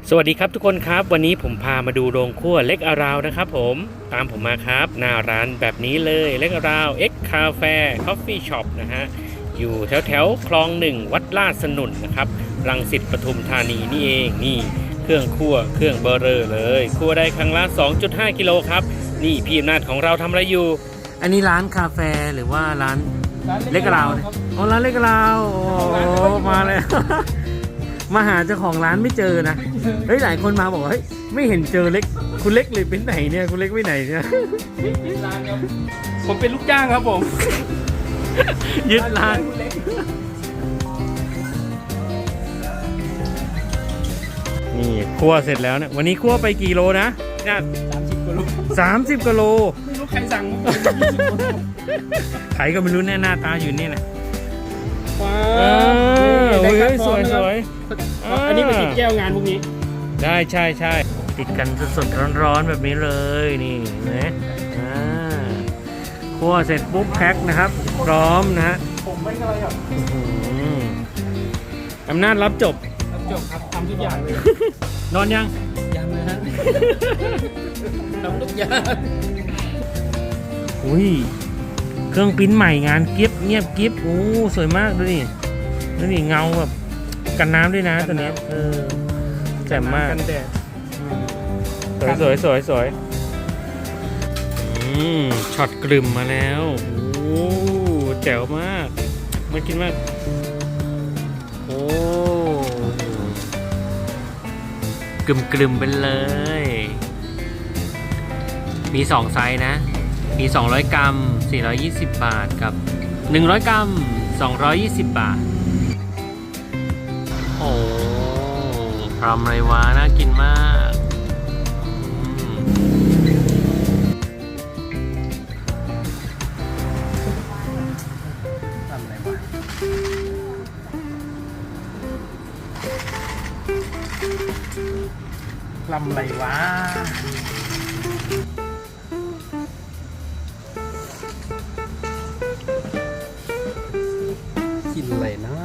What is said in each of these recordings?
สวัสดีครับทุกคนครับวันนี้ผมพามาดูโรงครัวเล็กอาราวนะครับผมตามผมมาครับหน้าร้านแบบนี้เลยเล็กอาราวเอ็กคาเฟ่คอฟฟี่ช็อปนะฮะอยู่แถวคลองหนึ่งวัดลาดสนุนนะครับรังสิตปทุมธานีนี่เองนี่เครื่องคั่วเครื่องเบอร์เรอร์เลยคั่วได้ครั้งละ 2.5 กิโลครับนี่พี่อำนาจของเราทำอะไรอยู่อันนี้ร้านคาเฟ่หรือว่าร้านเล็กอาราวอ๋อร้านเล็กอาราวโอ้มาเลย มาหาเจ้าของร้านไม่เจอนะเฮ้ยหลายคนมาบอกว่าเฮ้ยไม่เห็นเจอเล็กคุณเล็กเลยเป็นไหนเนี่ยคุณเล็กไปไหนเนี่ยยึดร้านครับผมเป็นลูกจ้างครับผมยึดร้าน นี่คั่วเสร็จแล้วเนี่ยวันนี้คั่วไปกี่โลนะเนี่ย 30 กว่าลูก 30 กิโลไม่รู้ใครสั่งมา20 กว่าลูกใครก็ไม่รู้แน่หน้าตาอยู่นี่นะว้าโอ้ได้ครับยสวยพร้อมสวยนะครับอันนี้เป็นติดแก้วงานพวกนี้ได้ใช่ติดกันสดๆร้อนๆแบบนี้เลยนี่นะคั่วเสร็จปุ๊บแพ็คนะครับพร้อมนะฮะผมไม่อะไรครับอำนาจรับจบจบครับทำทุกอย่างเลยนอนยังยังเลยฮะ ทำทุกอย่างอุ้ยเครื่องปริ้นใหม่งานกิฟต์เงียบกิฟต์โอ้สวยมากดูดิดูดิเงาแบบกันน้ำด้วยนะตัวเนี้ยแจ่มมากกันแดดสวยช็อตกลึมมาแล้วโอ้แจ๋วมากมากินมากโอ้กลึมไปเลยมี2ไซส์นะมี200 กรัม420 บาทกับ100 กรัม220 บาทโอ้ทำอะไรวะน่ากินมากทำอะไรวะลำอะไรวะกินอะไรนะ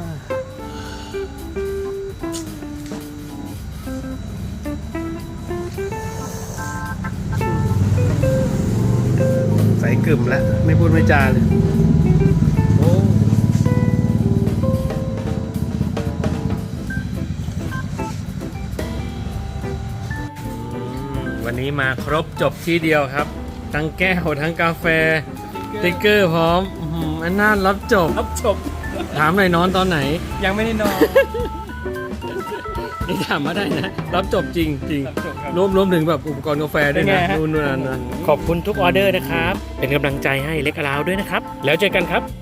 ใส่กึ่มแล้วไม่พูดไม่จาเลยโอ้วันนี้มาครบจบที่เดียวครับทั้งแก้วทั้งกาแฟสติ๊กเกอร์พร้อมอันน่ารับจบรับจบถามหน่อยนอนตอนไหนยังไม่ได้นอนนี่ถามมาได้นะ รับจบจริงรับจบครับรวมถึงแบบอุปกรณ์กาแฟด้วยนะเป็นไงฮะนู่นนั่นนะขอบคุณทุกออเดอร์นะครับ เป็นกำลังใจให้เล็กอาราวด้วยนะครับ แล้วเจอกันครับ